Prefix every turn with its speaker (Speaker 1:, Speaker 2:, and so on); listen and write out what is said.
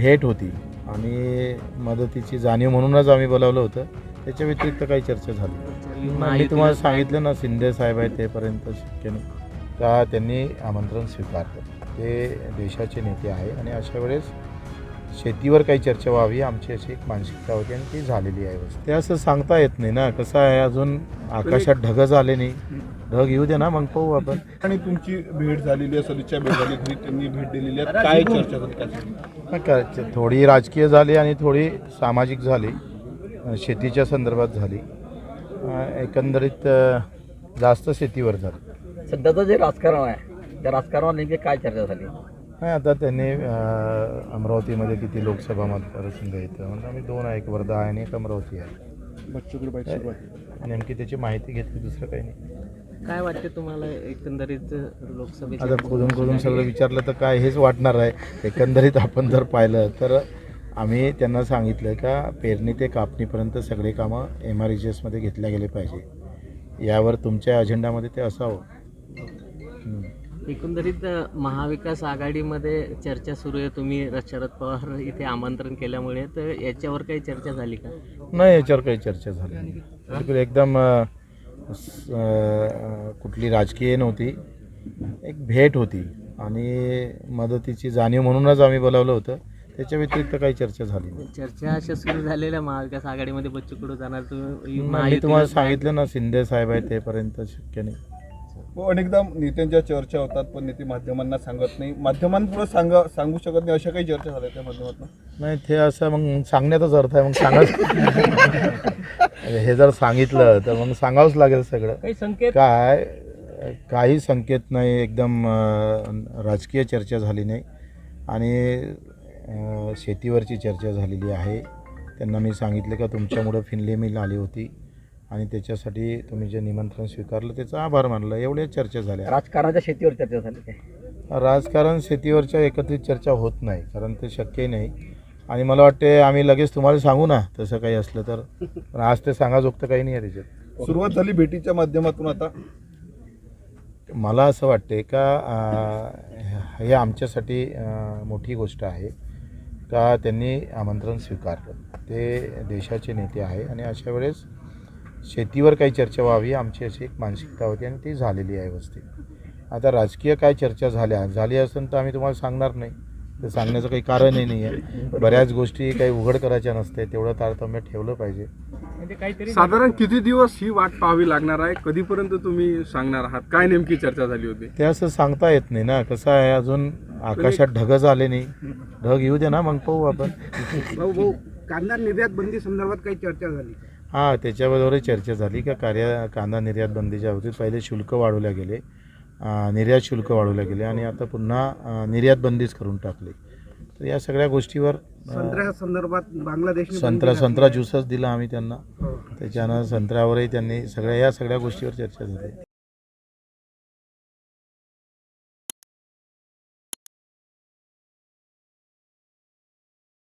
Speaker 1: भेट होती आणि मदतीची जाणीव म्हणूनच आम्ही बोलावलं होतं. त्याच्या व्यतिरिक्त काही चर्चा झाली मी तुम्हाला सांगितलं ना, शिंदे साहेब आहे तेपर्यंत शक्य नाही का त्यांनी आमंत्रण स्वीकारलं. ते देशाचे नेते आहे आणि अशा वेळेस शेतीवर काही चर्चा व्हावी आमची अशी एक मानसिकता होती आणि ती झालेली आहे. ते असं सांगता येत नाही ना, कसं आहे अजून आकाशात ढग झाले नाही, ढग येऊ दे ना मग पाहू आपण.
Speaker 2: आणि तुमची भेट झालेली आहे, सदिच्छा भेट झाली, घरी त्यांनी भेट दिलेली आहे, काय चर्चा झाली?
Speaker 1: थोडी राजकीय झाली आणि थोडी सामाजिक झाली, शेतीच्या संदर्भात झाली, एकंदरीत जास्त शेतीवर झाली.
Speaker 3: सध्याचं जे राजकारण आहे त्या राजकारणावर नेमकी काय चर्चा झाली?
Speaker 1: नाही, आता त्यांनी अमरावतीमध्ये किती लोकसभा मतदारसंघ येतं म्हणजे आम्ही दोन आहे, एक वर्धा आहे आणि एक अमरावती आहे. नेमकी त्याची माहिती घेतली, दुसरं काही नाही.
Speaker 4: काय वाटते तुम्हाला एकंदरीत लोकसभेत?
Speaker 1: आता खोदून सगळं विचारलं तर काय हेच वाटणार आहे. एकंदरीत आपण जर पाहिलं तर आम्ही त्यांना सांगितलं का पेरणी ते कापणीपर्यंत सगळे कामं MRHSमध्ये घेतल्या गेले पाहिजे, यावर तुमच्या अजेंडामध्ये ते असावं.
Speaker 4: एकंदरीत महाविकास आघाडीमध्ये चर्चा सुरू आहे. तुम्ही शरद पवार इथे आमंत्रण केल्यामुळे, तर याच्यावर काही चर्चा झाली का?
Speaker 1: नाही, याच्यावर काही चर्चा झाली नाही. बिलकुल एकदम कुठली राजकीय नव्हती, एक भेट होती आणि मदतीची जाणीव म्हणूनच आम्ही बोलावलं होतं. त्याच्या व्यतिरिक्त काही चर्चा झाली नाही.
Speaker 4: चर्चा अशा सुरू झालेल्या महाविकास आघाडीमध्ये बच्चू कडू जाणार,
Speaker 1: मी तुम्हाला सांगितलं ना, शिंदे साहेब आहे तेपर्यंत शक्य नाही.
Speaker 2: अनेकदा नेत्यांच्या चर्चा होतात पण नेते माध्यमांना सांगत नाही, माध्यमांपुढे सांगू शकत नाही, अशा काही चर्चा झाल्या त्या माध्यमातून?
Speaker 1: नाही, ते असं मग सांगण्याचाच अर्थ आहे, मग सांगाच. हे जर सांगितलं तर मग सांगावंच लागेल सगळं.
Speaker 4: काही संकेत?
Speaker 1: काही संकेत नाही, एकदम राजकीय चर्चा झाली नाही आणि शेतीवरची चर्चा झालेली आहे. त्यांना मी सांगितलं का तुमच्यामुळं फिनले मिल आली होती आणि त्याच्यासाठी तुम्ही जे निमंत्रण स्वीकारलं त्याचा आभार मानलं, एवढ्या चर्चा झाल्या.
Speaker 3: राजकारणाच्या शेतीवर चर्चा झाली काय?
Speaker 1: राजकारण शेतीवरच्या एकत्रित चर्चा होत नाही, कारण ते शक्यही नाही. आणि मला वाटते आम्ही लगेच तुम्हाला सांगू ना तसं काही असलं तर, पण आज ते सांगाजोगतं काही नाही आहे त्याच्यात.
Speaker 2: सुरुवात झाली भेटीच्या माध्यमातून. आता
Speaker 1: मला असं वाटते का हे आमच्यासाठी मोठी गोष्ट आहे का त्यांनी आमंत्रण स्वीकारलं. ते देशाचे नेते आहे आणि अशा वेळेस शेतीवर काही चर्चा व्हावी आमची अशी एक मानसिकता होती आणि ती झालेली आहे व्यवस्थित. आता राजकीय काय चर्चा झाली असेल तर आम्ही तुम्हाला सांगणार नाही, ते सांगण्याचं काही कारणही नाही आहे. बऱ्याच गोष्टी काही उघड करायच्या नसते, तेवढं तारतम्य ठेवलं पाहिजे.
Speaker 5: साधारण किती दिवस ही वाट पाहावी लागणार आहे? कधीपर्यंत तुम्ही सांगणार आहात? काय नेमकी चर्चा झाली होती?
Speaker 1: ते असं सांगता येत नाही ना, कसं आहे अजून आकाशात ढग झाले नाही, ढग येऊ दे ना मग पाहू आपण.
Speaker 6: भाऊ, कांदा निर्यात बंदी संदर्भात काही चर्चा झाली?
Speaker 1: हां, त्याच्याबरोबरही चर्चा झाली का कांदा निर्यात बंदीच्या बाबतीत पहिले शुल्क वाढवल्या गेले, निर्यात शुल्क वाढवल्या गेले आणि आता पुन्हा निर्यात बंदीच करून टाकली. तर या सगळ्या गोष्टीवर
Speaker 6: संत्र्या संदर्भात बांगलादेश
Speaker 1: संत्रा ज्यूसच दिला आम्ही त्यांना, त्याच्यानं संत्र्यावरही त्यांनी या सगळ्या गोष्टीवर चर्चा झाली.